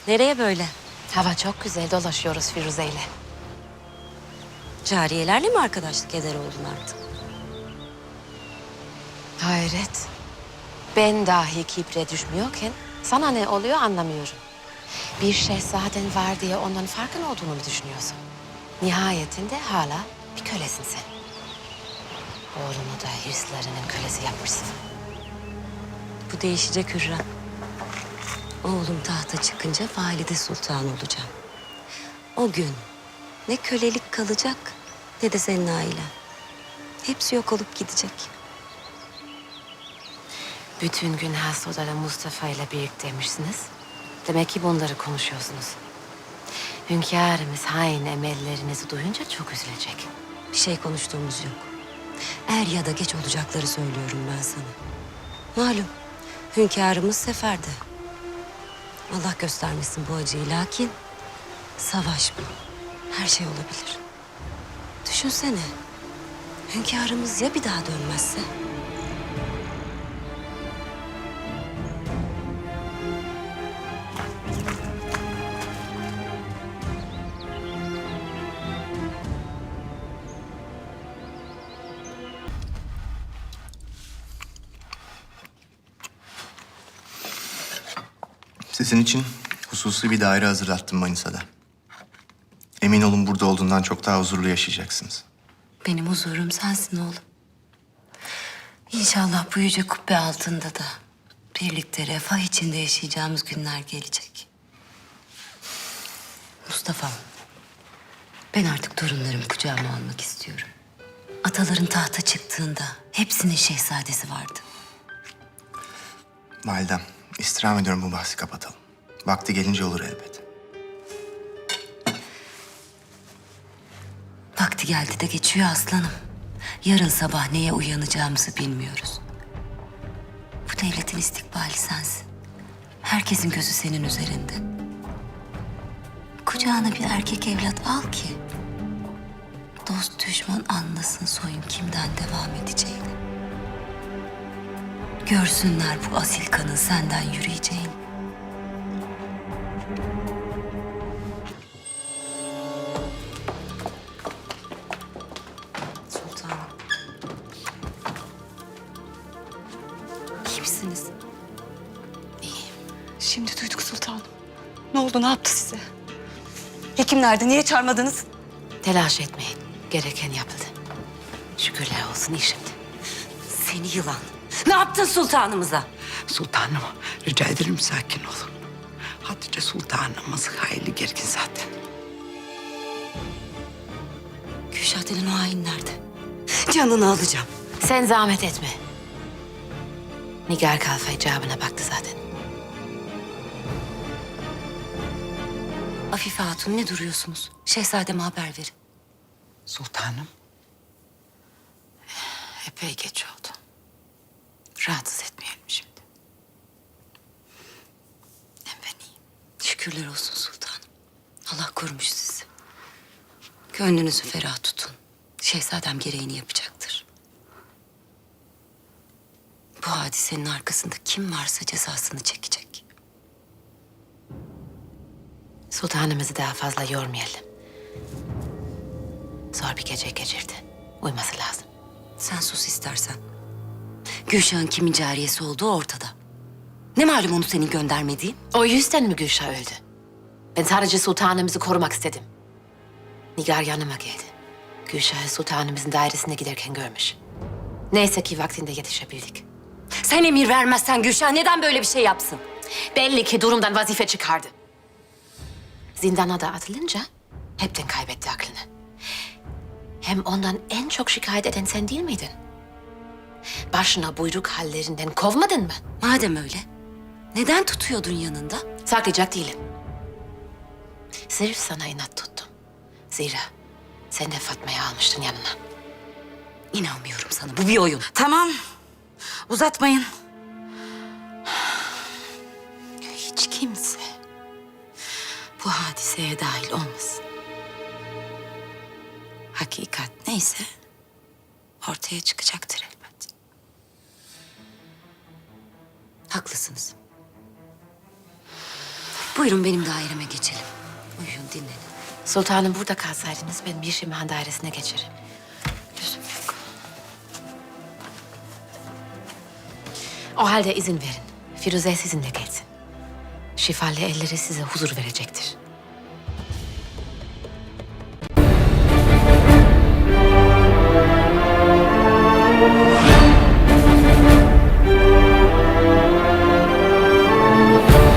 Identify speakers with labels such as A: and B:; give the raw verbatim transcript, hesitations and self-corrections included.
A: Nereye böyle?
B: Hava çok güzel, dolaşıyoruz Firuze'yle.
A: Cariyelerle mi arkadaşlık eder oldun artık?
B: Hayret. Ben dahi kibre düşmüyorken sana ne oluyor anlamıyorum. Bir şehzaden var diye ondan farkın olduğunu mu düşünüyorsun? Nihayetinde hala bir kölesin sen. Oğlunu da hırslarının kölesi yapmışsın.
A: Bu değişecek Hürrem. Oğlum tahta çıkınca valide sultan olacağım. O gün ne kölelik kalacak ne de senin ailen. Hepsi yok olup gidecek.
B: Bütün gün has odada Mustafa ile birlikteymişsiniz. Demek ki bunları konuşuyorsunuz. Hünkârımız hain emellerinizi duyunca çok üzülecek.
A: Bir şey konuştuğumuz yok. Er ya da geç olacakları söylüyorum ben sana. Malum hünkârımız seferde. Allah göstermesin bu acıyı, lakin savaş bu. Her şey olabilir. Düşünsene. Hünkârımız ya bir daha dönmezse?
C: Sizin için hususi bir daire hazırlattım Manisa'da. Emin olun burada olduğundan çok daha huzurlu yaşayacaksınız.
A: Benim huzurum sensin oğlum. İnşallah bu yüce kubbe altında da birlikte refah içinde yaşayacağımız günler gelecek. Mustafa, ben artık torunlarımı kucağıma almak istiyorum. Ataların tahta çıktığında hepsinin şehzadesi vardı.
C: Validem, istirham ediyorum bu bahsi kapatalım. Vakti gelince olur elbet.
A: Vakti geldi de geçiyor aslanım. Yarın sabah neye uyanacağımızı bilmiyoruz. Bu devletin istikbali sensin. Herkesin gözü senin üzerinde. Kucağına bir erkek evlat al ki dost düşman anlasın soyun kimden devam edeceğini. Görsünler bu asil kanın senden yürüyeceğini. Sultanım. İyi misiniz?
D: Şimdi duyduk sultanım. Ne oldu, ne yaptı size? Hekim nerede, niye çağırmadınız?
B: Telaş etmeyin. Gereken yapıldı. Şükürler olsun iyi şimdi.
A: Seni yılan. Ne yaptın sultanımıza?
E: Sultanım, rica ederim sakin olun. Hatice sultanımız hayli gergin zaten.
A: Kürşat'ın o hain nerede? Canını alacağım.
B: Sen zahmet etme. Nigar Kalfa icabına baktı zaten.
A: Afife Hatun ne duruyorsunuz? Şehzademe haber verin.
E: Sultanım,
B: Epey geç oldu. Rahatsız etmeyelim şimdi. Hem ben iyiyim.
A: Şükürler olsun sultanım. Allah korumuş sizi. Gönlünüzü ferah tutun. Şehzadem gereğini yapacaktır. Bu hadisenin arkasında kim varsa cezasını çekecek.
B: Sultanımızı daha fazla yormayalım. Zor bir gece geçirdi. Uyuması lazım.
A: Sen sus istersen. Gülşah'ın kimin cariyesi olduğu ortada. Ne malum onu senin göndermediğin?
B: O yüzden mi Gülşah öldü? Ben sadece sultanımızı korumak istedim. Nigar yanıma geldi. Gülşah'ı sultanımızın dairesine giderken görmüş. Neyse ki vaktinde yetişebildik.
A: Sen emir vermezsen Gülşah neden böyle bir şey yapsın?
B: Belli ki durumdan vazife çıkardı. Zindana da atılınca hepten kaybetti aklını. Hem ondan en çok şikayet eden sen değil miydin? Başına buyruk hallerinden kovmadın mı?
A: Madem öyle, neden tutuyordun yanında?
B: Saklayacak değilim. Sırf sana inat tuttum. Zira sen de Fatma'yı almıştın yanına.
A: İnanmıyorum sana, bu bir oyun.
D: Tamam, uzatmayın.
B: Hiç kimse bu hadiseye dahil olmasın. Hakikat neyse ortaya çıkacaktır elbet.
A: Haklısınız. Buyurun benim daireme geçelim. Uyuyun, dinlenin.
B: Sultanım burada kalsaydınız ben bir Şimhan dairesine geçerim. Lüzum yok. O halde izin verin. Firuze sizinle gelsin. Şifalı elleri size huzur verecektir.